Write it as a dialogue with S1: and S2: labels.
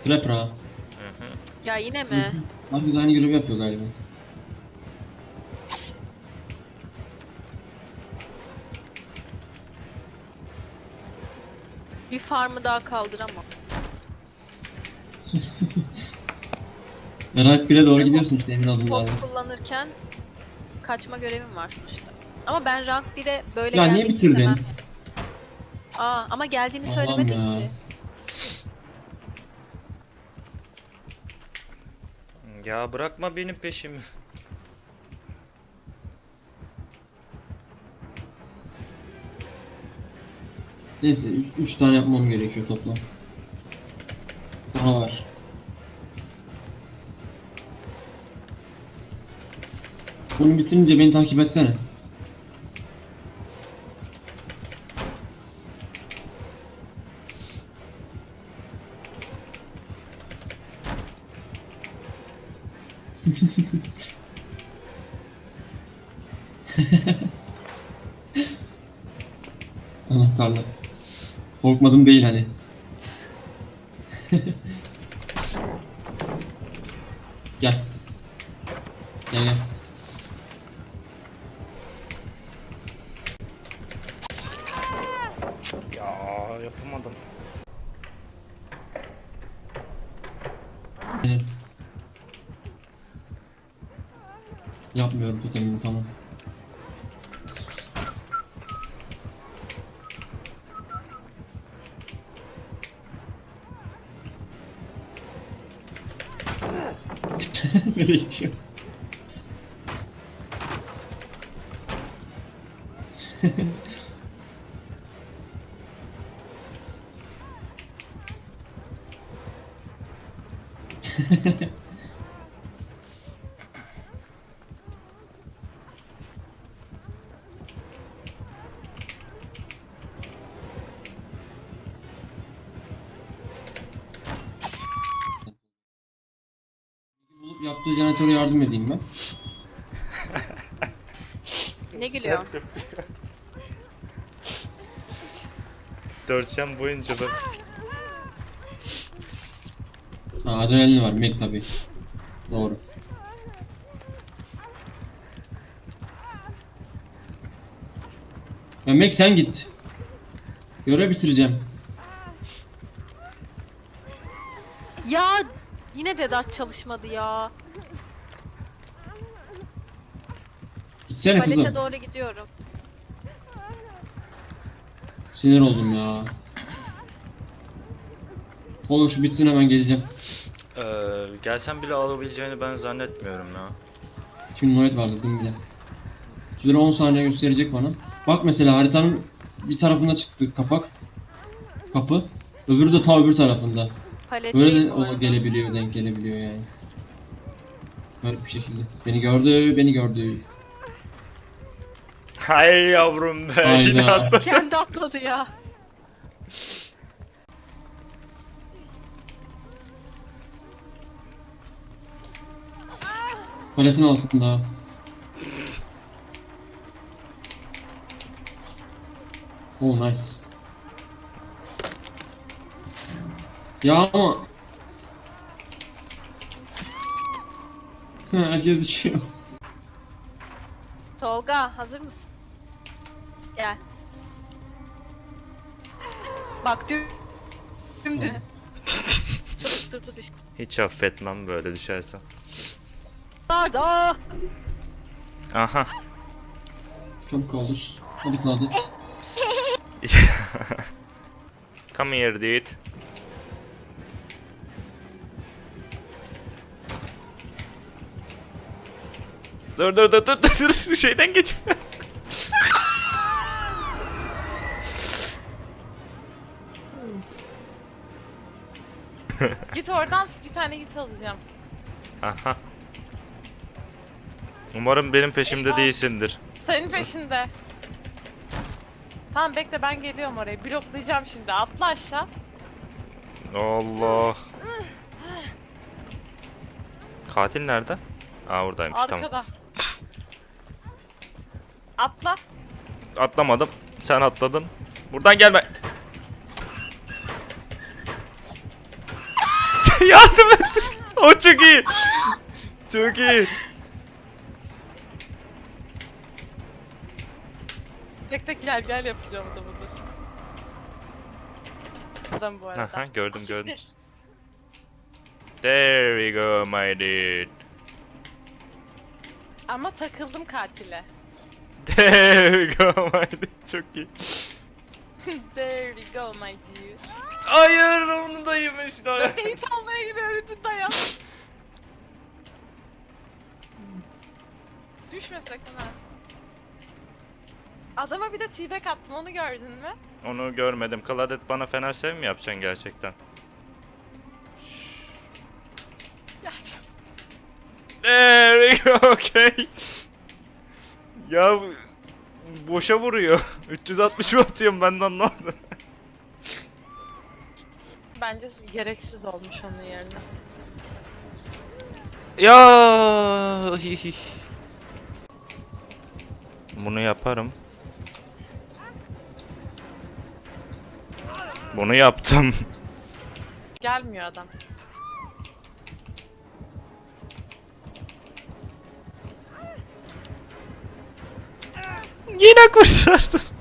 S1: Trapper ha.
S2: Ya yine mi?
S1: Abi aynı görevi yapıyor galiba.
S2: Bir farmı daha kaldıramam.
S1: Rank 1'e doğru gidiyorsun işte emin adımlarla.
S2: Top kullanırken kaçma görevim var sonuçta. Ama ben rank 1'e böyle
S1: Ya niye
S2: gelmek
S1: bitirdin?
S2: istemem. Aa ama geldiğini
S1: Allah'ım
S2: söylemedin
S1: ya.
S2: ki.
S3: Ya bırakma benim peşimi.
S1: Neyse 3 tane yapmam gerekiyor toplam. Daha var. Bunu bitirince beni takip etsene. Anahtarla. Korkmadım değil hani. Gel. Gel gel.
S3: Ya yapamadım.
S1: Gel. Yapmıyorum totemini tamam. Nereye gidiyor? Bulup yaptığı jeneratöre yardım edeyim ben.
S2: Ne gülüyorsun?
S3: 4 yan boyunca ben...
S1: Ha, adrenalin var Meg tabi. Doğru. Ya Meg sen git. Görev bitireceğim.
S2: Ya yine Dedat çalışmadı ya.
S1: Gitsene
S2: Palete
S1: kızım.
S2: doğru gidiyorum.
S1: Sinir oldum ya. Olur şu bitsin hemen geleceğim.
S3: Gelsen bile alabileceğini ben zannetmiyorum ya.
S1: Şimdi Noet vardı değil mi bile? 2 lira 10 saniye gösterecek bana. Bak mesela haritanın bir tarafında çıktı kapak. Kapı. Öbürü de ta öbür tarafında.
S2: Palet
S1: Böyle
S2: değil
S1: de
S2: bu arada.
S1: o gelebiliyor, denk gelebiliyor yani. Garip bir şekilde. Beni gördü, beni gördü.
S3: Hay yavrum be yine
S1: Hayda.
S3: atladım.
S2: Kendi atladı ya.
S1: Paletin altında. Oh nice. Ya ama... Herkes düşüyor.
S2: Tolga hazır mısın? Gel. Bak dümdüz. Çalıştırdı düştü.
S3: Hiç affetmem böyle düşersen.
S2: Arda.
S3: Aha.
S1: Çabuk kaldır. Hadi kaldır.
S3: Come here dude. Dur şu şeyden geç.
S4: Git oradan bir tane git alacağım.
S3: Aha. Umarım benim peşimde değilsindir.
S4: Senin peşinde. Tamam bekle ben geliyorum oraya. Bloklayacağım şimdi. Atla aşağı.
S3: Allah. Katil nerede? Aa oradaymış tamam.
S4: Arkada. Atla.
S3: Atlamadım. Sen atladın. Buradan gelme. Yardım et. O çok iyi. Çok iyi.
S4: Tek tek gel gel yapacağım da budur. Adam bu arada.
S3: Aha, gördüm. There we go my dude.
S4: Ama takıldım katile.
S3: There we go my dude. Çok iyi.
S4: There we go my dude.
S3: Hayır onu da yemişler.
S4: Keyif almaya gidiyor bütün dayan. Düşme sakın ha. Adama bir de t-back attım, onu gördün mü?
S3: Onu görmedim. Claudette bana fener sev mi yapacaksın gerçekten? There we go, okay. Ya boşa vuruyor. 360 mı atıyorum ben de anlamadım.
S4: Bence gereksiz olmuş onun yerine.
S3: Ya bunu yaparım. Bunu yaptım.
S4: Gelmiyor adam.
S3: Yine kurtardım.